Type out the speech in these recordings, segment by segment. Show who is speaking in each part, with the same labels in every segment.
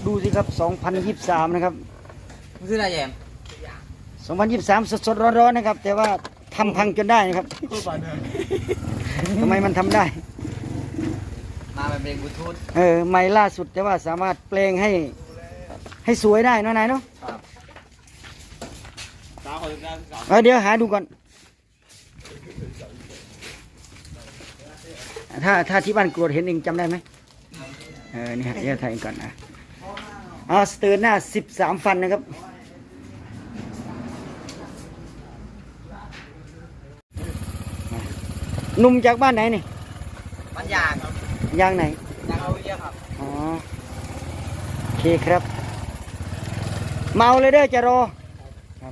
Speaker 1: ดูสิครับ2023นะครับ
Speaker 2: คืออะไรแยม
Speaker 1: 2023สดๆร้อนๆนะครับแต่ว่าทำพังจนได้นะครับทำไมมันทำได้
Speaker 2: มาเป็นเพลงบลูทูธ
Speaker 1: ใหม่ล่าสุดแต่ว่าสามารถแปลงให้สวยได้เนาะนายเนาะเดี๋ยวหาดูก่อนถ้าที่บ้านกรวดเห็นเองจำได้ไหมนี่ฮะเดี๋ยวถ่ายก่อนนะสเตอร์หน้า13ฟันนะครับหนุ่มจากบ้านไหนนี่
Speaker 2: บ้านยางครับ
Speaker 1: ยางไหน
Speaker 2: ยางเอาเยอะครับ
Speaker 1: โอเคครับเมาเลยเด้อจะรอครับ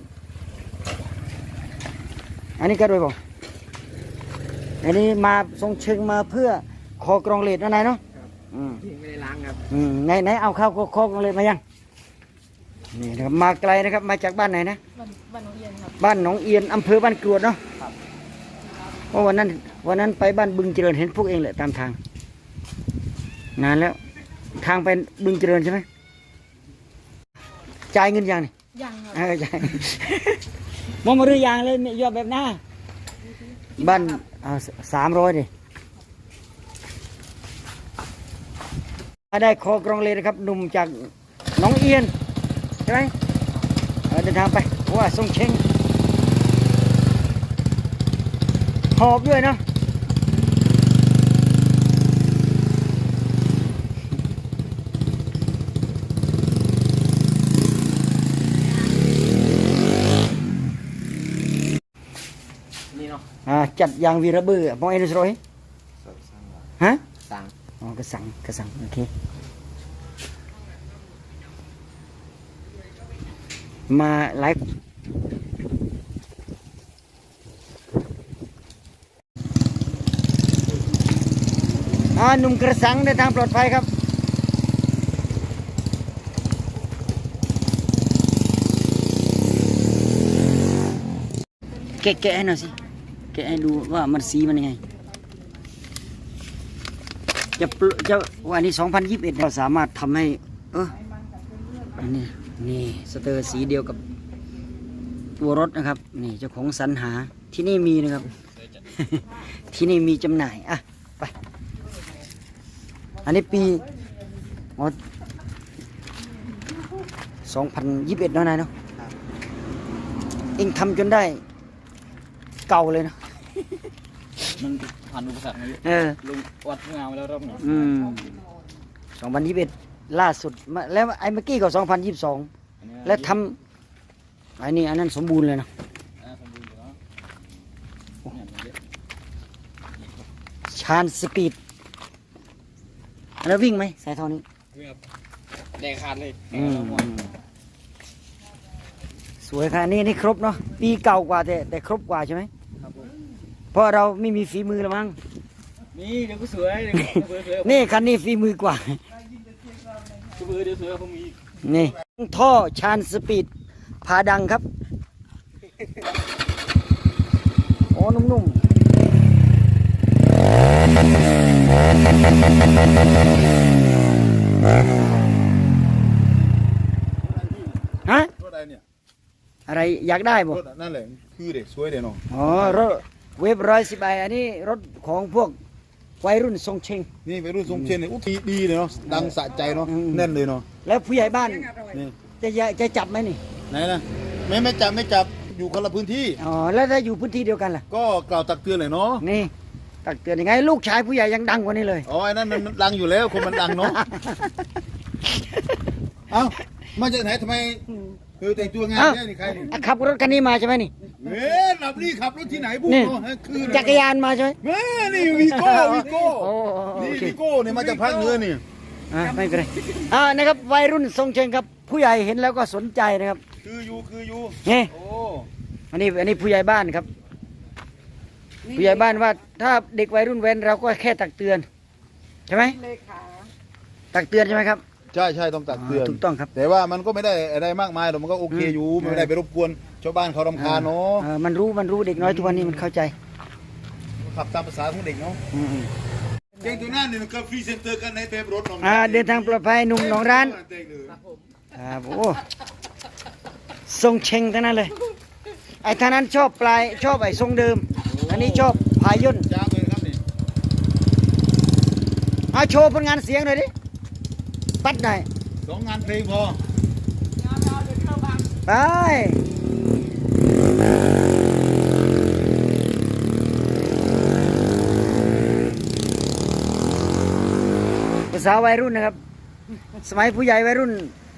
Speaker 1: อันนี้ก็ด้วยบอกอันนี้มาทรงเชิงมาเพื่อคอกรองเลดอะไรเนาะ
Speaker 2: ไม่ได้ล้างครับ
Speaker 1: ไหนเอาเข้าคอกรองเลดมายังนี่นะครับมาไกลนะครับมาจากบ้านไหนนะ
Speaker 3: บ้านหนองเอียนครับ
Speaker 1: บ้านหนองเอียนอำเภอบ้านกรวดเนาะเพราะวันนั้นไปบ้านบึงเจริญเห็นพวกเองแหละตามทางนานแล้วทางไปบึงเจริญใช่ไหมจ่ายเงินยังนี่
Speaker 3: ยังครับ
Speaker 1: จ่ายมองมาเรือยางเลยยอดแบบหน้าบ้าน300ดิได้คอกรองเลยนะครับหนุ่มจากหนองเอียนใช่ไหมเดินทางไปว่าทรงเชงหอบด้วยเนาะ
Speaker 2: นี่เนาะ
Speaker 1: จัดยางวีระเบือมองเอ็นสโรยฮะ
Speaker 2: สั่ง
Speaker 1: กระสังโอเคมาไลฟ์หนุ่มกระสังในทางปลอดภัยครับแกะให้หน่อยสิแกะให้ดูว่ามันสีมันยังไงจะวันนี้2021เราสามารถทำให้นี่สเตอร์สีเดียวกับตัวรถนะครับนี่เจ้าของสรรหาที่นี่มีนะครับ ที่นี่มีจำหน่ายไปอันนี้ปี2021เนาะนายเนาะเองทำจนได้เก่าเลยนะ
Speaker 2: มันผ่านอุปสรรคมาเยอะลุงวัดงานมาแล้วรอบหนึ่ง
Speaker 1: 2021ล่าสุดแล้วไอ้เมื่อกี้ก็2022แล้วทำอันนั้นสมบูรณ์เลยนะชานสปีดแล้ววิ่งไหมสายท่อนี้
Speaker 2: วิ่งครับแดงขาดเลย
Speaker 1: สวยค่ะนี่ครบเนาะปีเก่ากว่าแต่ครบกว่าใช่ไหมเพราะเราไม่มีฝีมือละมั้ง
Speaker 2: นี่เดี๋ยวก็สวย
Speaker 1: นี่คันนี้ฝีมือกว่า
Speaker 2: เดี๋ยวสวยผมมี
Speaker 1: นี่ท่อชานสปีดพาดังครับโอ้นุ่มๆฮะอะไรอยากได้บ่
Speaker 4: นั่นแหละคือเด็กสวยเด็กน้อง
Speaker 1: รถเวฟ110อันนี้รถของพวกวัยรุ่นทรงเชง
Speaker 4: นี่วัยรุ่นทรงเชงเนี่ยดีเลยเนาะดังสะใจเนาะแน่นเลยเนาะ
Speaker 1: แล้วผู้ใหญ่บ้านนี่จะจับไหมนี่
Speaker 4: ไหนนะไม่จับอยู่คนละพื้นที่
Speaker 1: แล้วถ้าอยู่พื้นที่เดียวกันล่ะ
Speaker 4: ก็กล่าวตักเตือนเลยเนาะ
Speaker 1: นี่ตักเตือนยังไงลูกชายผู้ใหญ่ยังดังกว่านี้เลย
Speaker 4: ไอ้นั่นมันดังอยู่แล้วคนมันดังเนาะเอ้ามาจากไหนทำไมแต่งตัวงานแค่นี่ใคร
Speaker 1: ขับรถคันนี้มาใช่ไหมนี่
Speaker 4: ขับรถที่ไหนบุ้ง
Speaker 1: คือจักรยานมาใช่ไหม
Speaker 4: นี่วีโก้นี่วีโก้เนี่ยมาจากภาคเหนือนี่
Speaker 1: ไม่เป็นไรนะครับวัยรุ่นทรงเชงครับผู้ใหญ่เห็นแล้วก็สนใจนะครับ
Speaker 4: คืออยู่
Speaker 1: นี่อันนี้ผู้ใหญ่บ้านครับผู้ใหญ่บ้านว่าถ้าเด็กวัยรุ่นเว้นเราก็แค่ตักเตือนใช่ไหมตักเตือนใช่ไหมครับ
Speaker 4: ใช่ต้องตักเตือน
Speaker 1: ถูกต้องครับ
Speaker 4: แต่ว่ามันก็ไม่ได้อะไรมากมายหรอกมันก็โอเคอยู่ไม่ได้ไปรบกวนชาวบ้านเขารำคาญเนาะ
Speaker 1: มันรู้เด็กน้อยทุกวันนี้มันเข้าใจ
Speaker 4: ขับตามภาษาของเด็กเนาะเก่งตัวนั้นเนี่ยก็ฟรีเซนเตอร์กันในเทปรถ
Speaker 1: เดินทางปลอดภัยหนุ่มหนองร้านครับโอ้ทรงเชงทั้งนั้นเลยไอ้ท่านั้นชอบปลายชอบไอ้ทรงเดิม อันนี้ชอบพาย่น
Speaker 4: จ้างเลยครับนี่
Speaker 1: โชว์ผลงานเสียงหน่อยดิปัดหน่อย
Speaker 4: 2 งานเพลงพอ
Speaker 1: ไปภาษาวัยรุ่นนะครับ สมัยผู้ใหญ่วัยรุ่น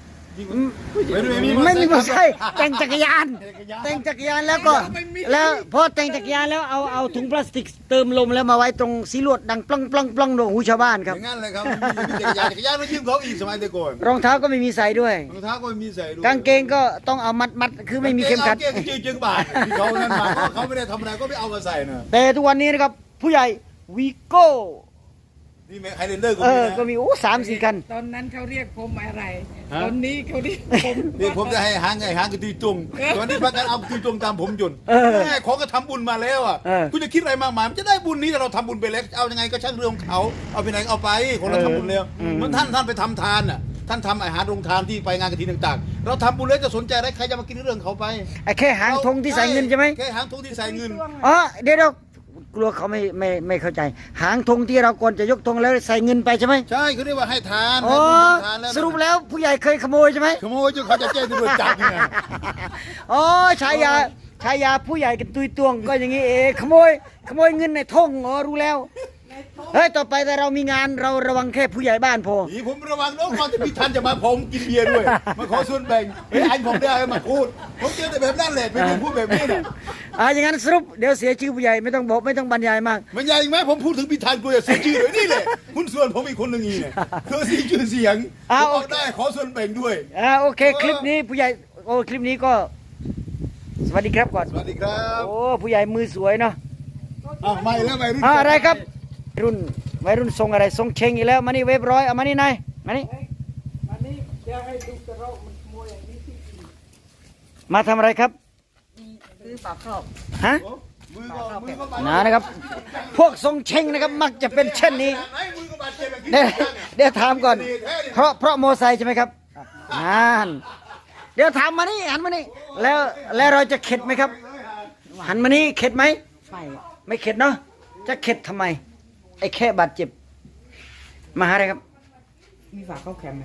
Speaker 1: ไม่มีมอเตอร์ไซค์แต่งจักรยานแล้วก็แล้วพอแต่งจักรยานแล้วเอาถุงพลาสติกเติมลมแล้วมาไว้ตรงสีลวดดังปล้องปล้องปล้องโดนหูชาวบ้านครับ
Speaker 4: อย่างนั้นเลยครับจักรยานมายืมเขาอีกสมัยแต่ก่อน
Speaker 1: รองเท้าก็ไม่มีใส่ด้วย
Speaker 4: รองเท้าก็ไม่มีใส่ด้วย
Speaker 1: กางเกงก็ต้องเอามัดคือไม่มีเข็มขัด
Speaker 4: เกงจึงบาทที่เขานั้นมาเขาไม่ได้ทำอะไรก็ไม่เอามาใส่นะ
Speaker 1: แต่ทุกวันนี้นะครับผู้ใหญ่วีโก้
Speaker 4: นี่แม่ไฮเลนเดอร์ก็
Speaker 1: ก็
Speaker 4: มีนะ
Speaker 1: มี3-4 คัน
Speaker 3: ตอนนั้นเขาเรียกผมอะไร ตอนนี้เขาเรียกผม
Speaker 4: นี่ผมจะให้หางกระตีจุงตอนนี้พักกันเอากระตีจุงตามผมจนแม่ของก็ทำบุญมาแล้วอ่ะคุณจะคิดอะไรมากมายมันจะได้บุญนี้แต่เราทำบุญไปแล้วเอายังไงก็ช่างเรื่องของเขาเอาไปไหนเอาไปของเราทำบุญแล้วมันท่านไปทำทานอ่ะท่านทำอาหารโรงทานที่ไปงานกฐินต่างๆเราทำบุญแล้วจะสนใจอะไรใครจะมากินเรื่องเขาไป
Speaker 1: ไอ้แค่หางธงที่ใส่เงินใช่ไหม
Speaker 4: แค่หางธงที่ใส่เงิน
Speaker 1: เดี๋ยวกลัวเขาไม่เข้าใจ หางธงที่เราก่อนจะยกธงแล้วใส่เงินไปใช่ไหม
Speaker 4: ใช่เขาเรียกว่าให้ทาน
Speaker 1: อ๋อ
Speaker 4: ให้ทานแล้ว
Speaker 1: สรุปแล้วผู้ใหญ่เคยขโมยใช่ไหม
Speaker 4: ขโมยจนเขาจะแจ้งตำรวจจับเนี่ย
Speaker 1: อ๋อฉายาผู้ใหญ่กันตุยตวงก็อย่างนี้เองขโมยเงินในธงรู้แล้วเฮ้ยต่อไปแต่เรามีงานเราระวังแค่ผู้ใหญ่บ้านพอ
Speaker 4: นี่ผมระวังน้องความที่พี่ทันจะมาผมกินเบียร์ด้วยมาขอส่วนแบ่งเฮ้ยอันผมได้มาพูดผมเจอแต่แบบนั้นแหละไม่ได้พูดแบบนี้เนี่ย
Speaker 1: อย่างนั้นสรุปเดี๋ยวเสียชื่อผู้ใหญ่ไม่ต้องบอกไม่ต้องบรรยายมาก
Speaker 4: มันใหญ่ไหมผมพูดถึงพี่ทันกูจะเสียชื่อเลยนี่แหละหุ้นส่วนผมอีกคนหนึ่งอีเนี่ยเธอเสียชื่อเสียงผมเอาได้ขอส่วนแบ่งด้วย
Speaker 1: โอเคคลิปนี้ผู้ใหญ่คลิปนี้ก็ สวัสดีครับก่อน
Speaker 4: สวัสดีครับ
Speaker 1: โอ้ผู้ใหญ่มือสวยเนาะ
Speaker 4: ไม่แล้วไม่รุ่น
Speaker 1: อะไรครับวัยรุ่นทรงอะไรทรงเชงอีกแล้วมานี่เว็บร้อยเอามานี่นายมานี่
Speaker 3: วันนี้จะให้ดูกระรอกมันขโมยอย่างนี้ที่
Speaker 1: มาทำอะไรครับ
Speaker 3: ซื้อฝากครอบ
Speaker 1: ฮะ
Speaker 4: มือก็
Speaker 1: นะครับ พวกทรงเชงนะครับมักจะเป็นเช่นนี้
Speaker 4: มือก็บาดเจ็บแบบนี้
Speaker 1: เดี๋ยวถามก่อน เพราะโมไซค์ใช่ไหมครับนั่นเดี๋ยวถามมานี่หันมานี่แล้วเราจะเข็ดไหมครับ หันมานี่เข็ดไหมไม่เข็ดเนาะจะเข็ดทำไมไอ้แค่บาดเจ็บมาหาอะไรครับ
Speaker 3: มีฝากเข้าแคมป์ไหม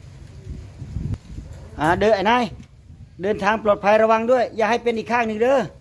Speaker 1: เดินไอ้นายเดินทางปลอดภัยระวังด้วย อย่าให้เป็นอีกข้างหนึ่งเด้อ